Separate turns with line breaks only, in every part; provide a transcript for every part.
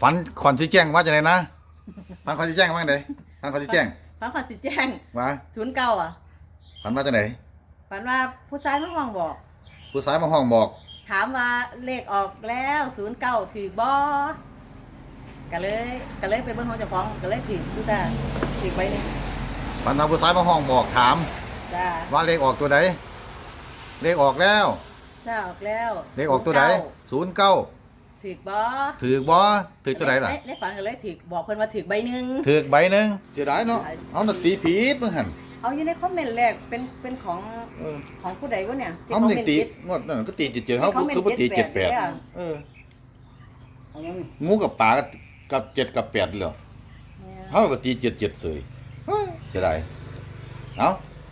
ฝันคอนสิแจ้งว่าจะไหนนะฝันคอนสิแจ้งว่าไงฝันคอนสิแจ้ง
ฝันขอสิแจ้ง
ว่า
09อ่ะ
ฝันว่าจะไหน
ฝันว่าผู้ชายมาห้องบอก
ผู้ชายมาห้องบอก
ถามว่าเลขออกแล้ว09ถือบ่ก็เลยไปเบิ่งของเจ้าของก็เลยถือผู้ตาถือไปนี่
ฝันว่าผู้ชายมาห้องบอกถาม
จ้า
ว่าเลขออกตัวไหนเลขออกแล้ว
จ้าออกแล้ว
เลขออกตัวไหน09
ถือบ่
ถือบ่ถือตัวไหนล่ะ
ในฝันก็เลยถือบอกเพิ่นว่าถือใบหนึง
ถือใบหนึงเสียดายเนาะเอาน่ะตีผิดมึงหั่น
เอาอยู่ในคอมเมนต์แรกเป็นของ
เออ
ของผู้ใดวะเนี่ยที่
เอา
คอม
นี่
เมนต์
ตี
ผิด
งวดนั่นก็ตี77เฮาคือบ่ตี78เออ
เอายัง
งูกับปลากับ7กับ8แล้วเฮาก็ตี77เสยเฮ้ยเสียดายเอา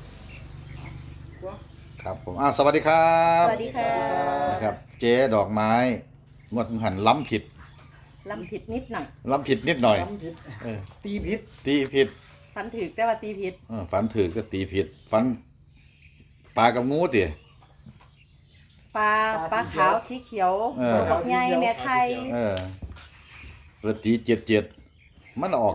ครับผมสวัสดีครับ
สวัสดีค่ะ
ครับเจ๊ดอกไม้งวดหันล้ำผิด
ลำผิดนิดหน่อย
ล้ำผิดนิดหน่อย
ทำผิด
เออ
ตีผิด
ตีผิด
ฝันถือแต่ว่าตีผิด
ฝันถือก็ตีผิดฝันปลากับงูติ
ปลาขาวที่เขียว
เออ
ดอกใหญ่แม่ไข่
เออแล้วตี77มันออก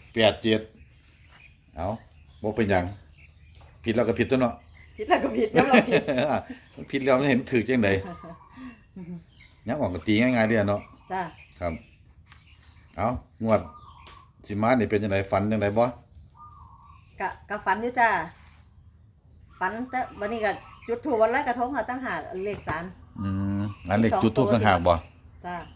87เอาบ่เป็นหยังผิดแล้วก็ผิดตัวเนาะ
ผิดแล้วก็ผิดแล้วเราผิด
มันผิดแล้วมันเห็นถือจังไดยังออกก็ตีง่ายๆเด้อเนาะ
จ้า
ครับเอางวดสิมานี่เป็นจังไดฝันจังไดบ่
กะฝันอยู่จ้าฝันแต่วันนี้ก็จุดถูกวันลอยกระทงค่ะตั้งหาเลขสาร
อันเล็กจุดทูบต่างหากบ่
จ้า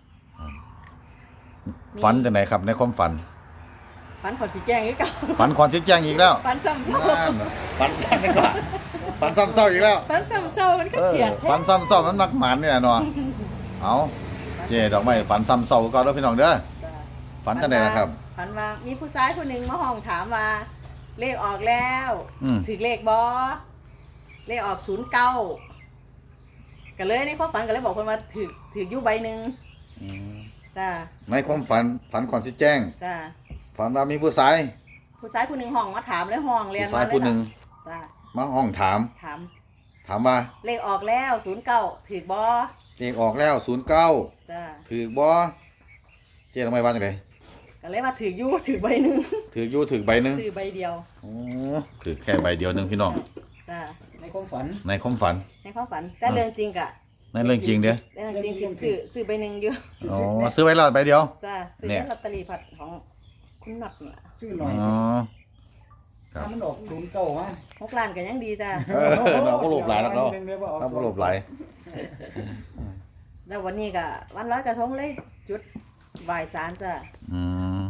ฝันจังไดครับในความฝัน
ฝันขอสิแจ้งอีกเก่า
ฝันคอนสิแจ้งอีกแล้ว
ฝันซ้ำเศร้า
นั่นน่ะฝันซ้ำอีกแล้วฝันซ้ำเศร้าอีกแล้ว
ฝันซ้ำเศร้ามันก็เฉียด
ฝันซ้ำเศร้ามันมักหมานเนี่ยเนาะเอาเจ๊ดอกไม้ฝันซ้ำเศร้าก่อนเด้อพี่น้องเด้อ
จ้า
ฝันจังไดล่ะครับ
ฝันว่ามีผู้ชายคนหนึ่งมาห้องถามว่า เลขออกแล้ว ถึงเลขบอเลขออก09ก็เลยในความฝันก็เลยบอกคนว่าถืออยู่ใบหนึ่งจ้า
ในความฝันฝันคอนสิแจ้ง
จ้า
ฝันว่ามีผู้ชาย
ผู้ชายคนหนึ่งห้องมาถามเลยห้องเรียน
ผู้ชายผู้หนึ่ง
จ้า
มาห้องถาม
ถาม
ถามว่า
เลขออกแล้ว09ถือบอ
เลขออกแล้ว09
จ้า
ถือบ่เจ๊ดอกไม้ว่าจังได
ก็เลยว่าถืออยู่ถือใบหนึ่ง
ถืออยู่ถือใบหนึง
ถือใบเดียว
โอ้ถือแค่ใบเดียวหนึงพี่น้อง
จ้า
ในความฝัน
ในความฝัน
ในความฝันแต่เรื่องจริงกะ
ในเรื่องจริงเด้อ
เรื่องจริงซื้อใบหนึ่งอยู่
อ๋อซื้อไว้แล้วใบเดียว
จ้าซื้อ
เนี่ย
ลอตเตอรี่ผัดของคุณหนักเนี่ย
ชื่อห
อ๋
น่
อ
อย
ครับ
ถ้ามันออก09มา
6 ล้านก็ยังดีจ้า
เราก็หลบหลายแล้วเนาะเราก็หลบหลาย
แล้ววันนี้ก็วันร้อยกระทงเลยจุดบ่ายสารจ้ะ
อืม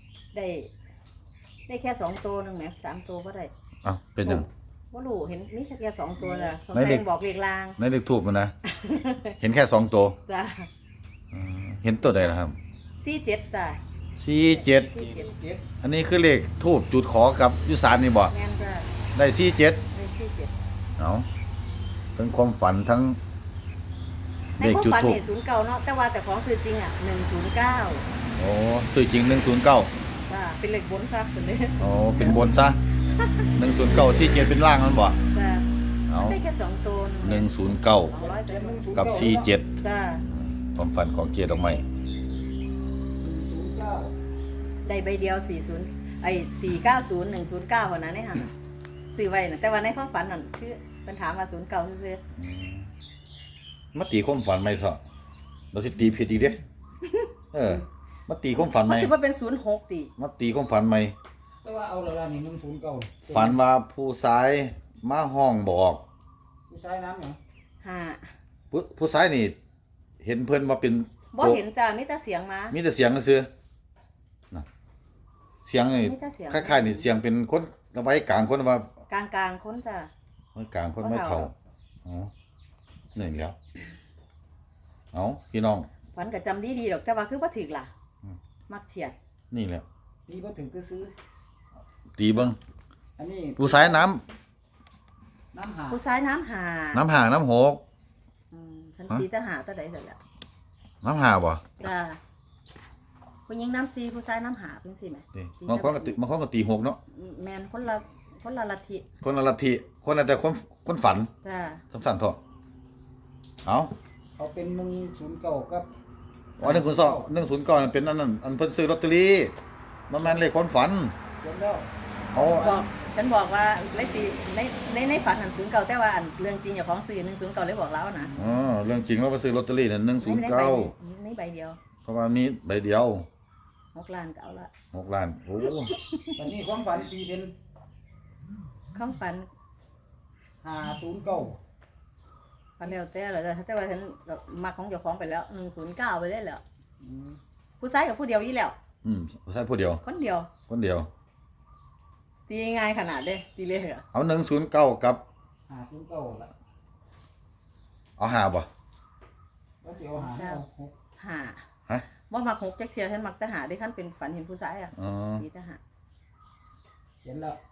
ได้แค่2 ตัวหนึงแหม3 ตัวก็ได้
อ้าวเป็นหยัง
ว่ารู้เห็นมีแค่2 ตัวจ้ะผม
ไหนเด็
แฟ
ก
นบอกเลขลาง
ในเลขทูบมันนะ เห็นแค่2ตัว
จ้ะ
เห็นตัวใดล่ะครับ
47จ้ะ
47
47
อันนี้คือเลขทูบจุดขอกับยุสานนี่บ่
แม่นจ้ะ
ได้47
ได้47
เอาทั้งความฝันทั้ง
ใน
เลข
ความ
จุด
ฝัน
ทูบ
นี่09เนาะแต่ว่าแต่ของซื้อจริงอ่ะ109
โอ้ซื้อจริง109
จ้ะเป็นเลขบนครับตัวนี้
โอ้เป็นบนซะ109 47เป็นล่างมันบ่
จ้ะ
เอา
ได้แค่2 ตัว
109
ร้อยแต่
กับ47
จ้ะ
ความฝันของเกียรติดอกไม้
ได้ใบเดียว40ไอ้490 109กว่านั้นเนี่ยค่ะซื้อไว้น่ะแต่ว่าในความฝันนั่นคือเป็นถามว่า09ซื่อ
มาตีความฝันไหมซะเราสิตีผิดอีกเด้ เออ มาตีความฝัน
ๆ
ไหม
มันสิว่าเป็น06ติ
มาตีความฝันไหม
แต่ว่าเอาละล่ะนี่109
ฝันว่าผู้ชายมาห้องบอก
ผู้ชายน้ำหยัง
5
ผู้ชายนี่ เห็นเพิ่นมาเป็น
บ่เห็นจ้ะมีแต่เสียงมา
มีแต่เสียงซื่อๆนะเสียงนี่
มีแต่เสียง
คล้ายๆนี่เสียงเป็นคนเอาไว้กลางคนว่าก
ลางๆคนจ้ะ
ไว้กลางคนไม่เข้าอ๋อนี่แหล้วเอาพี่น้อง
ฝันก็จำดีๆดอกแต่ว่าคือบ่ถึกล่ะ มักเฉียด
นี่แหละ
ตีบ่ถึงก็ซื้อ
ตีเบิ่ง
อันนี้
ผู้ชายน้ำ
น้ำหา
ผู้ชายน้ำหา
น้ำห่างน้ำหก
ฉันตีแต่หาแต่ใดเสร็จแล้ว
น้ำหาบ่
จ้ะผู้หญิงน้ำซีผู้ชายน้ำหาเพิ่นสิแหม
นี่บางคนก็ตีบางคนก็ตีหกเนาะ
แม่นคนละลัทธิ
คนละลัทธิคนละแต่คนฝัน
จ้ะ
สั้นๆเถอะเอา
เขาเป็น109กับ
อ๋อ109นั่นเป็นอันนั้นอันเพิ่นซื้อลอตเตอรี่มันแม่นเลขคนฝัน
เขียนแล้ว
เอา
บอกฉันบอกว่าในตีในฝันหันศูนย์เก่าแต่ว่าอันเรื่องจริงอย่าของสื่อ109เลยบอกแล้วนะ
อ๋อเรื่องจริงเราไปซื้อลอตเตอรี่นั่น
ไม่ใบเดียว
109เพราะว่ามีใบเดียว
6 ล้านก็เอาละ
6 ล้านโอ้
ตอนนี้ความฝันตีเป็น
ข้องฝัน
509
ฝันแล้วแต่เหรอแต่ว่าฉันมาของเจ้าของไปแล้ว109ไปได้แล้วผู้ชายกับผู้เดียวยี่แล้ว
ใช่ผู้เดียว
คนเดียว
คนเดียว
ตีง่ายขนาดเด้ตีเลยเหรอ
เอา109กับ
509ละ
เอา5บ่
แล้วสิเอาหาเอาหก
หา
ฮะ
ว่ามัก6จักเทียฉันมักแต่หาได้ขั้นเป็นฝันเห็นผู้ชายอ่ะ
อ๋อ
ตีแต่หา
เขียนแล้ว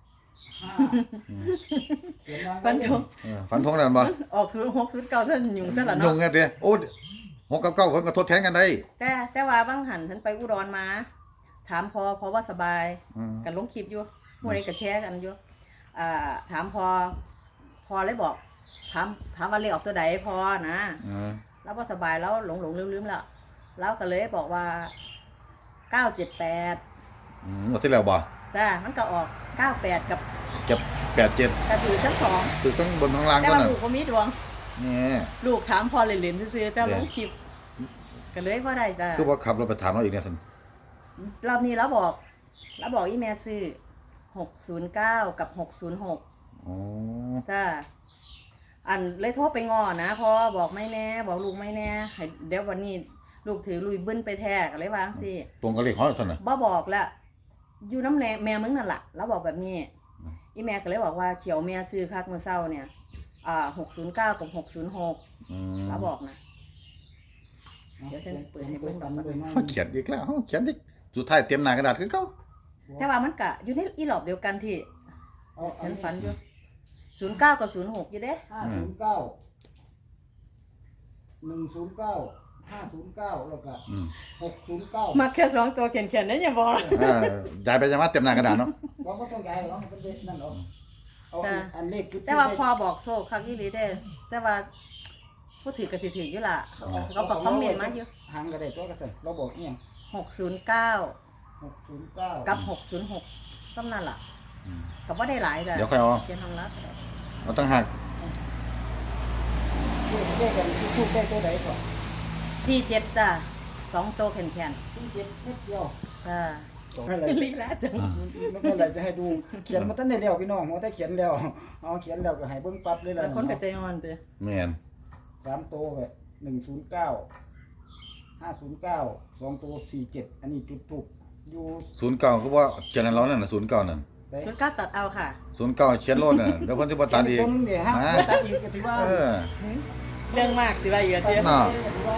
เขียนวางไว้
ฝันทง
ฝันทงนั่นบ่
ออก0609ฉันยุ่งซะละ
ยุ
เนาะ
งไงเด้โอ้6กับ9เพิ่นก็ทดแทนกันได้
แต่ว่าบางหันฉันไปอุดรมา ถามพอว่าสบาย
อืม
กันลงคลิปอยู่หมู่ใดก็แชร์กันอยู่ถามพอเลยบอกถามว่าเลขออกตัวใดพอนะ แล้วว่าสบายแล้วหลงลืมแล้วแล้วก็เลยบอกว่า978
งวดที่แล้วบ่
จ้ามันก็ออก98กับ
เก็บ87
กระถือทั้งสอง
คือทั้งบนทั้งล่าง
แต่
ก็
ว่า
น่ะ
ลูกก็มีดวง
นี่
ลูกถามพอเล่นๆซื่อๆแต่ลงคลิปก็เลยว่าได้จ้า
คือว่าขับรถไปถามเราอีกเนี่ยท่าน
รอบนี้เราบอกอีแม่ซื้อ609กับ606
อ๋อ
จ้าอันเลยโทรไปง้อนะพอบอกไม่แน่บอกลูกไม่แน่ให้เดี๋ยววันนี้ลูกถือลุยบึ้นไปแทกอะไรวางสิ
ตรงกับเลขของท่านน่ะ
บ่บอกแล้วอยู่น้ำแม่มึงนั่นแหละแล้วบอกแบบนี้อีแม่ก็เลยบอกว่าเขียวแม่ซื้อคักเมื่อเช้าเนี่ย609กับ606แล้วบอกนะ เดี๋ยวฉันเปิดให้เบิ่งก่อน
เขาเขียนอีกแล้วเขาเขียนอีกสุดท้ายเตรียมหน้ากระดาษคือเก่า
แต่ว่ามันกะอยู่ในอีหลอบเดียวกันที่
เอา
ฉันฝันอยู่09กับ06อยู่เด้
509 109 509แล้วก็609
มาแค่2ตัวเขียนๆนั่นอย่าบอก
ย้ายไปยังว่าเตรียมหน้ากระดาษเนาะ
เราก็ต้องย้ายหรอกมันเป็นนั่นหรอกเอาอันเลขจุด
แต่ว่าพอบอกโซ่คักอีหลีเด้แต่ว่าผู้ถือก็สิถืออยู่ล่ะเขาบอกคอมเมนต์มาอยู่
หางก็ได้ตัวก็ใส่เราบอกอีหยัง
609
609
กับ606ซ้ำนั่นล่ะก็บ่ได้หลายจ้ะ
เดี๋ยวค่อยเอา
เขียนทางลัดก็ได้
เอาตั้งหัก
เลขกันทุกได้ตัวใดก่อน
47จ้ะ2ตัวแข็ง
ที่7นิดเดียว
ๆจ้ะ
อะไร
ลีลาจัง
ไม่เป็นไรจะให้ดูเขียนมาตั้งแต่แล้วพี่น้องว่าแต่เขียนแล้วเอาเขียนแล้วก็ให้เบิ่งปั๊บเลยล่ะ
แล้วคนก็ใจอ่อนเด้อ
แม่น
3ตัวก็109 509 2ตัว47อันนี้จุดถูกอยู่
09คือว่าเขียนให้เรานั่นน่ะ09นั่น
ได้
ชุดก้าตัดเอาค่ะ
09เขียนโลดน่ะเดี๋ยวเพิ่นสิบ่ตัดอีก
ตัวนึงเดี๋ยวฮะ
มา
ตัดอีกก็ถือว่า
เออ
เรื่องมากสิว่าอีกอะเด้อ
น่ะ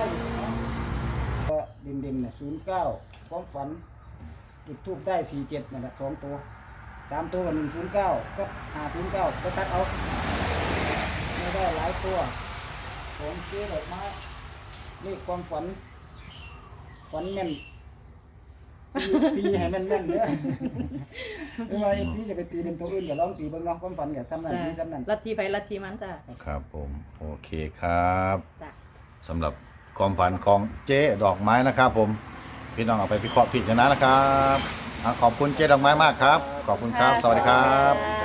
เด่นๆน่ะ09ความฝันจุดทูบได้47นั่นแหละ2ตัว3ตัวก็109กับ509ก็ตัดเอาไม่ได้หลายตัวของเจ๊ดอกไม้เลขความฝันแม่นตีให้แม่นๆเด้อไม่ว่าที่จะไปตีเป็นตัวอื่นก็ลองตีเบิ่งเนาะความฝันก็ทำนั่นนี่ทำนั่น
ลัทธิไปลัทธิมันจ้ะ
ครับผมโอเคครับ
จ้ะ
สำหรับความฝันของเจ๊ดอกไม้นะครับผมพี่น้องเอาไปพิเคราะห์พิจารณานะครับขอบคุณเจ๊ดอกไม้มากครับ ขอบคุณครับ สวัสดีครับ
จ้ะ